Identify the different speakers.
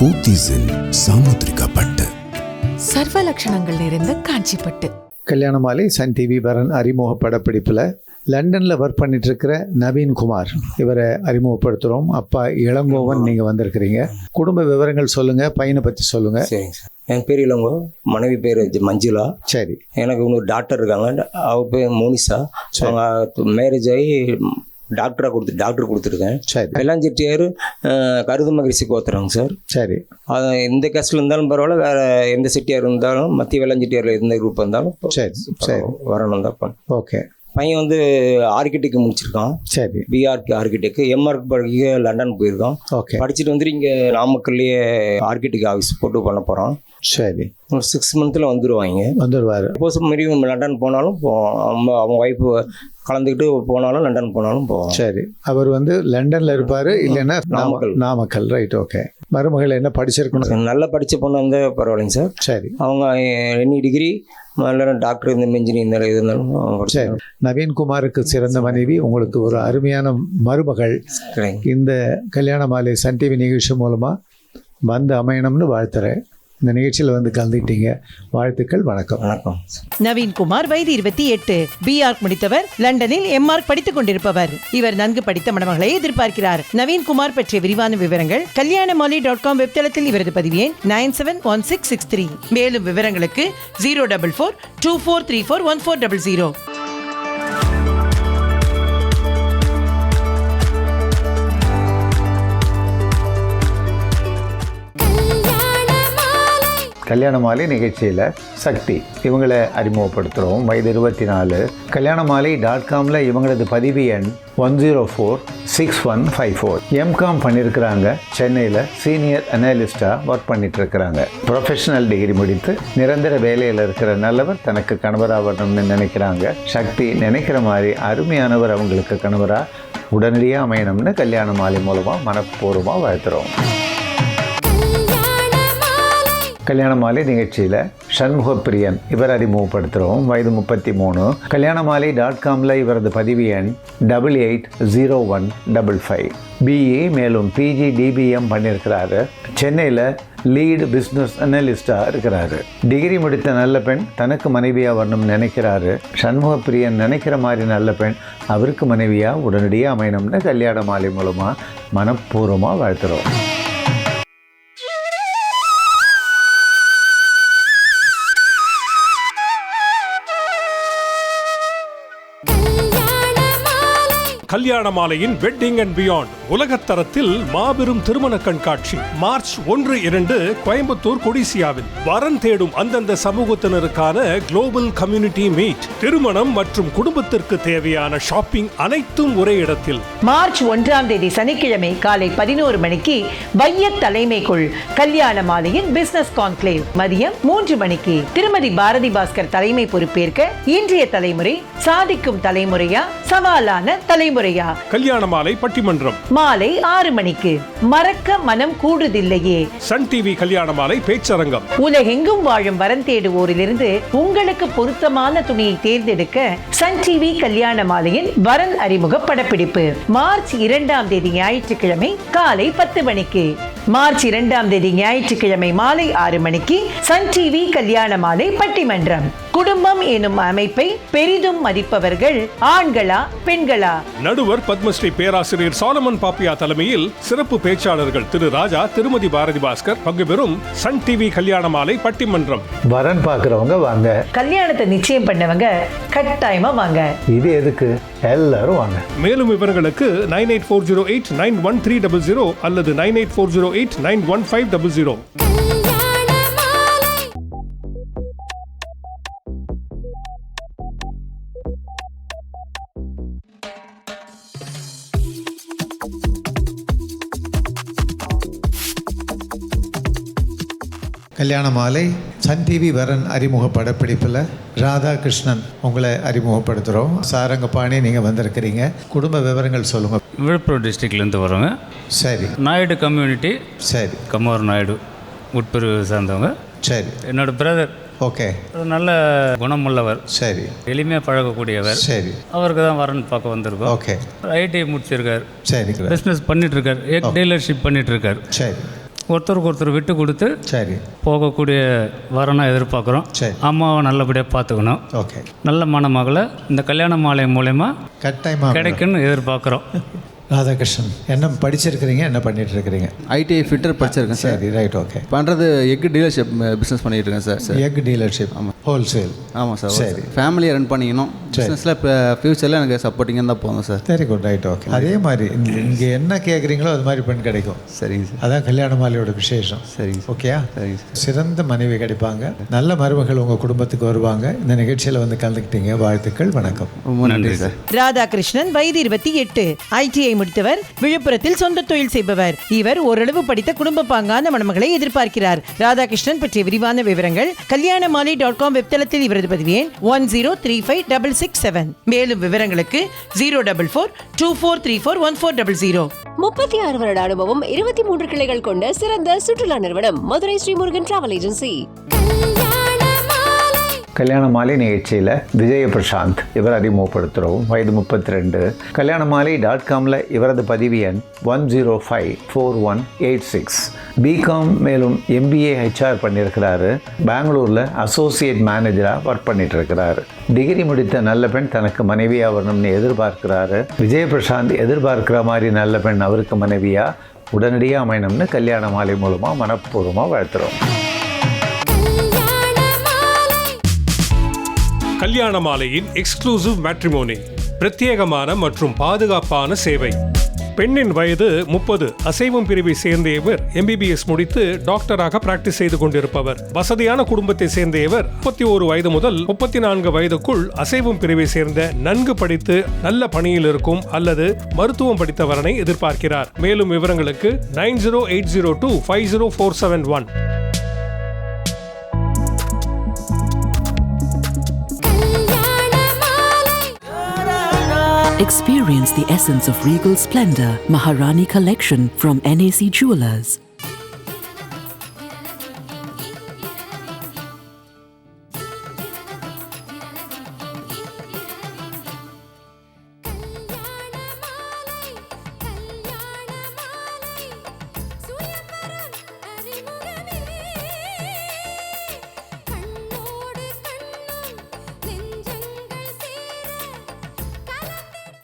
Speaker 1: போத்தீஸின் சாமுத்திரிகா பட்டு,
Speaker 2: சர்வ லட்சணங்கள் நிறைந்த காஞ்சிப்பட்டு.
Speaker 3: கல்யாண மாலை சன் டிவி வரன் அறிமுக படப்பிடிப்பில் லண்டனில் ஒர்க் பண்ணிட்டு இருக்கிற நவீன்குமார் இவரை அறிமுகப்படுத்துகிறோம். அப்பா இளங்கோவன், நீங்கள் வந்திருக்கிறீங்க. குடும்ப விவரங்கள் சொல்லுங்கள், பையனை பற்றி சொல்லுங்கள்.
Speaker 4: சரிங்க சார். என் பேர் இளங்கோ, மனைவி பேர் மஞ்சுளா.
Speaker 3: சரி.
Speaker 4: எனக்கு இன்னொரு டாக்டர் இருக்காங்க, அவ பேர் மோனிஷா. அவங்க மேரேஜ் ஆகி டாக்டர் கொடுத்துருக்கேன்.
Speaker 3: சரி.
Speaker 4: வெள்ளாஞ்செட்டியார் கருது மகிழ்ச்சி கோத்துறாங்க சார்.
Speaker 3: சரி.
Speaker 4: அது எந்த கேஸ்டில் இருந்தாலும் பரவாயில்ல, வேறு எந்த செட்டியார் இருந்தாலும், மத்திய வெள்ளாஞ்செட்டியாரில் எந்த குரூப் இருந்தாலும்
Speaker 3: சரி சரி
Speaker 4: வரணும் தான்.
Speaker 3: ஓகே.
Speaker 4: பையன் வந்து ஆர்கிடெக்ட் முடிச்சிருக்கான்.
Speaker 3: சரி.
Speaker 4: பிஆர்கே ஆர்கிடெக்ட், எம்ஆர்க்கு படிக்க லண்டன் போயிருக்கான்.
Speaker 3: ஓகே.
Speaker 4: படிச்சுட்டு வந்துட்டு இங்கே நாமக்கல்லையே ஆர்கிடெக்ட் ஆஃபீஸ் போட்டு பண்ண போகிறான்.
Speaker 3: சரி.
Speaker 4: ஒரு 6 மந்த்தில்
Speaker 3: வந்துடுவார்.
Speaker 4: சப்போஸ் மாரி லண்டன் போனாலும் அவங்க ஒய்ஃபு கலந்துக்கிட்டு போனாலும் லண்டன் போனாலும் போவோம்.
Speaker 3: சரி. அவர் வந்து லண்டனில் இருப்பார், இல்லைன்னா நாமக்கல். ரைட். ஓகே. மருமகள் என்ன படிச்சிருக்கணும்?
Speaker 4: நல்லா படித்த பொண்ணு வந்து பரவாயில்லைங்க சார்.
Speaker 3: சரி. அவங்க
Speaker 4: எனி டிகிரி, டாக்டர், இந்த இன்ஜினியர் இது இருந்தாலும்.
Speaker 3: சரி. நவீன்குமாருக்கு சிறந்த மனைவி, உங்களுக்கு ஒரு அருமையான மருமகள் இந்த கல்யாண மாலை சன் டிவி நிகழ்ச்சி மூலமாக வந்து அமையணும்னு வாழ்த்துறேன். இந்த நிகழ்ச்சியில் வந்து கலந்துக்கிட்டீங்க, வாழ்த்துக்கள். வணக்கம்.
Speaker 4: வணக்கம்.
Speaker 2: நவீன்குமார், வயது 28, பிஆர்க் முடித்தவர், லண்டனில் எம்ஆர்க் படித்துக் கொண்டிருப்பவர். இவர் நன்கு படித்த மணமகளை எதிர்பார்க்கிறார். நவீன்குமார் பற்றிய விரிவான விவரங்கள் kalyanamali.com வெப்தளத்தில் இவரது பதிவு எண் 971663. மேலும் விவரங்களுக்கு 04424341400.
Speaker 3: கல்யாண மாலை நிகழ்ச்சியில் சக்தி இவங்களை அறிமுகப்படுத்துகிறோம். வயது 24. கல்யாண மாலை .comல இவங்களது பதிவு எண் 1046154. எம்காம் பண்ணியிருக்கிறாங்க. சென்னையில் சீனியர் அனலிஸ்டாக ஒர்க் பண்ணிட்டு இருக்கிறாங்க. ப்ரொஃபஷனல் டிகிரி முடித்து நிரந்தர வேலையில் இருக்கிற நல்லவர் தனக்கு கணவராக வரணும்னு நினைக்கிறாங்க. சக்தி நினைக்கிற மாதிரி அருமையானவர் அவங்களுக்கு கணவராக உடனடியாக அமையணும்னு கல்யாண மாலை மூலமாக மனப்பூர்வமாக வாழ்த்துறோம். கல்யாண மாலை நிகழ்ச்சியில் சண்முகப்பிரியன் இவர் அறிமுகப்படுத்துகிறோம். வயது 33. கல்யாண மாலை .comல இவரது பதிவு எண் 880155. பிஇ மேலும் பிஜி டிபிஎம் பண்ணியிருக்கிறாரு. சென்னையில் லீடு பிஸ்னஸ் அனலிஸ்டாக இருக்கிறாரு. டிகிரி முடித்த நல்ல பெண் தனக்கு மனைவியாக வரணும்னு நினைக்கிறாரு. சண்முகப்பிரியன் நினைக்கிற மாதிரி நல்ல பெண் அவருக்கு மனைவியாக உடனடியாக அமையணும்னு கல்யாண மாலை மூலமாக மனப்பூர்வமாக வாழ்த்துகிறோம்.
Speaker 5: கல்யாண மாலையின் வெட்டிங் அண்ட் பியாண்ட் உலகத்தரத்தில் மாபெரும் திருமண கண்காட்சி மார்ச் 1-2 கோயம்புத்தூர் கொடிசியாவில். வரன் தேடும் அந்தந்த சமூகத்தினருக்கான குளோபல் கம்யூனிட்டி மீட். திருமணம் மற்றும் குடும்பத்திற்கு தேவையான ஷாப்பிங் அனைத்தும் ஒரே இடத்தில்.
Speaker 6: மார்ச் 1 சனிக்கிழமை காலை 11 மணிக்கு வைய தலைமைக்குள் கல்யாண மாலையின் பிசினஸ் கான்க்ளேவ். மதியம் 3 மணிக்கு திருமதி பாரதி பாஸ்கர் தலைமை பொறுப்பேற்க இன்றைய தலைமுறை சாதிக்கும் தலைமுறையா சவாலான தலைமுறை
Speaker 5: கல்யாண மாலை பட்டிமன்றம்.
Speaker 6: மாலை 6 மணிக்கு மறக்க மனம் கூடுதில்லையே
Speaker 5: சன் டிவி கல்யாண மாலை பேச்சரங்கம்.
Speaker 6: உலகெங்கும் வாழும் வரன் தேடுவோரிலிருந்து உங்களுக்கு பொருத்தமான துணியை தேர்ந்தெடுக்க சன் டிவி கல்யாண மாலையின் வரன் அறிமுக படப்பிடிப்பு. மார்ச் 2 ஞாயிற்றுக்கிழமை காலை 10 மணிக்கு. மார்ச் 2 ஞாயிற்றுக்கிழமை மாலை 6 மணிக்கு சன் டிவி கல்யாண மாலை பட்டிமன்றம். குடும்பம் எனும் அமைப்பை பெரிதும் மதிப்பவர்கள் ஆண்களா பெண்களா?
Speaker 5: நடுவர் பத்மஸ்ரீ பேராசிரியர் சாலமன் பாப்பியா தலைமையில் சிறப்பு பேச்சாளர்கள் திரு ராஜா, திருமதி பாரதி பாஸ்கர் பங்கு பெறும் சன் டிவி கல்யாண மாலை பட்டிமன்றம்.
Speaker 3: வரன் பார்க்குறவங்க வாங்க,
Speaker 6: கல்யாணத்தை நிச்சயம் பண்ணவங்க கட்டாயமா வாங்க. இது எதுக்கு? எல்லாரும் வாங்க.
Speaker 5: மேலும் விவரங்களுக்கு 9840891300 அல்லது 9840891500.
Speaker 3: கல்யாண மாலை சன் டிவி வரன் அறிமுக படப்பிடிப்பில் ராதாகிருஷ்ணன் உங்களை அறிமுகப்படுத்துகிறோம். சாரங்கபாணி நீங்கள் வந்திருக்கிறீங்க. குடும்ப விவரங்கள் சொல்லுங்கள்.
Speaker 7: விழுப்புரம் டிஸ்ட்ரிக்ட்லேருந்து வரோங்க.
Speaker 3: சரி.
Speaker 7: நாயுடு கம்யூனிட்டி.
Speaker 3: சரி.
Speaker 7: கம்மூர் நாயுடு உட்பிரிவு சார்ந்தவங்க.
Speaker 3: சரி.
Speaker 7: என்னோடய பிரதர்.
Speaker 3: ஓகே.
Speaker 7: நல்ல குணமுள்ளவர்.
Speaker 3: சரி.
Speaker 7: எளிமையாக பழகக்கூடியவர்.
Speaker 3: சரி.
Speaker 7: அவருக்கு தான் வரன் பார்க்க வந்திருக்கோம்.
Speaker 3: ஓகே.
Speaker 7: ஐடி முடிச்சிருக்கார்.
Speaker 3: சரி.
Speaker 7: பிஸ்னஸ் பண்ணிகிட்ருக்கார். எக் டீலர்ஷிப் பண்ணிகிட்ருக்கார்.
Speaker 3: சரி.
Speaker 7: ஒருத்தருக்கு ஒருத்தர் விட்டு கொடுத்து
Speaker 8: சரி
Speaker 7: போகக்கூடிய வரனை எதிர்பார்க்குறோம்.
Speaker 8: சரி.
Speaker 7: அம்மாவை நல்லபடியாக பார்த்துக்கணும்.
Speaker 8: ஓகே.
Speaker 7: நல்ல மணமகளை இந்த கல்யாண மாலை மூலயமா
Speaker 8: கட்டாயமாக
Speaker 7: கிடைக்குன்னு எதிர்பார்க்குறோம்.
Speaker 8: ராதாகிருஷ்ணன் என்ன படிச்சிருக்கிறீங்க, என்ன பண்ணிட்டு இருக்கிறீங்க?
Speaker 9: ஐடிஐ ஃபிட்டர் படிச்சிருக்கேன் சார்.
Speaker 8: சரி, ரைட், ஓகே.
Speaker 9: பண்ணுறது எக் டீலர்ஷிப் பிஸ்னஸ் பண்ணிகிட்டு இருக்கேன் சார்.
Speaker 8: எக் டீலர்ஷிப், ஆமாம், ஹோல்சேல்.
Speaker 9: ஆமாம் சார்.
Speaker 8: சரி.
Speaker 9: ஃபேமிலியை ரன் பண்ணிக்கணும். பிஸ்னஸில் இப்போ ஃப்யூச்சரில் எனக்கு சப்போர்ட்டிங்காக தான் போகும் sir.
Speaker 8: Very good, right, okay. அதே மாதிரி இங்கே என்ன கேட்குறீங்களோ அது மாதிரி பெண் கிடைக்கும்.
Speaker 9: சரிங்க சார்.
Speaker 8: அதான் கல்யாண மாலையோட விசேஷம்.
Speaker 9: சரிங்க சார்.
Speaker 8: ஓகேயா?
Speaker 9: சரிங்க சார்.
Speaker 8: சிறந்த மனைவி கிடைப்பாங்க, நல்ல மருமகள் உங்கள் குடும்பத்துக்கு வருவாங்க. இந்த நிகழ்ச்சியில் வந்து கலந்துக்கிட்டீங்க, வாழ்த்துக்கள், வணக்கம்.
Speaker 9: ரொம்ப நன்றி சார்.
Speaker 2: ராதாகிருஷ்ணன் வயது 28, ஐடிஐ முடித்தவர், விழுப்புரத்தில் சொந்த தொழில் செய்பவர். இவர் ஓரளவு படித்த குடும்ப பாங்கான மணமகளை எதிர்பார்க்கிறார். ராதாகிருஷ்ணன் பற்றிய விரிவான விவரங்கள் kalyanamali.com வெப்தளத்தில் இவரது பதிவு எண் 10356667. மேலும் விவரங்களுக்கு 04424341400.
Speaker 10: 36 வருட அனுபவம், 23 கிளைகள் கொண்ட சிறந்த சுற்றுலா நிறுவனம் மதுரை ஸ்ரீமுருகன் டிராவல் ஏஜென்சி.
Speaker 3: கல்யாண மாலை நிகழ்ச்சியில் விஜய பிரசாந்த் இவர் அறிமுகப்படுத்துகிறோம். வயது 32. kalyanamali.comல இவரது பதிவு எண் 1054186. பிகாம் மேலும் MBA HR பண்ணியிருக்கிறாரு. பெங்களூரில் அசோசியேட் மேனேஜராக ஒர்க் பண்ணிட்டு இருக்கிறாரு. டிகிரி முடித்த நல்ல பெண் தனக்கு மனைவியாக வரணும்னு எதிர்பார்க்கிறாரு. விஜய பிரசாந்த் எதிர்பார்க்கிற மாதிரி நல்ல பெண் அவருக்கு மனைவியாக உடனடியாக அமையணும்னு கல்யாண மாலை மூலமாக மனப்பூர்வமாக வாழ்த்துறோம்.
Speaker 5: கல்யாண மாலையின் எக்ஸ்க்ளூசிவ் மேட்ரிமோனி, பிரத்யேகமான மற்றும் பாதுகாப்பான சேவை. பெண்ணின் வயது 30, அசைவம் பிரிவை சேர்ந்த இவர் MBBS முடித்து டாக்டராக பிராக்டிஸ் செய்து கொண்டிருப்பவர். வசதியான குடும்பத்தை சேர்ந்த இவர் 31 வயது முதல் 34 வயதுக்குள் அசைவம் பிரிவை சேர்ந்த நன்கு படித்து நல்ல பணியில் இருக்கும் அல்லது மருத்துவம் படித்த வரனை எதிர்பார்க்கிறார். மேலும் விவரங்களுக்கு 9080250471.
Speaker 11: Experience the essence of regal splendor. Maharani Collection from NAC Jewelers.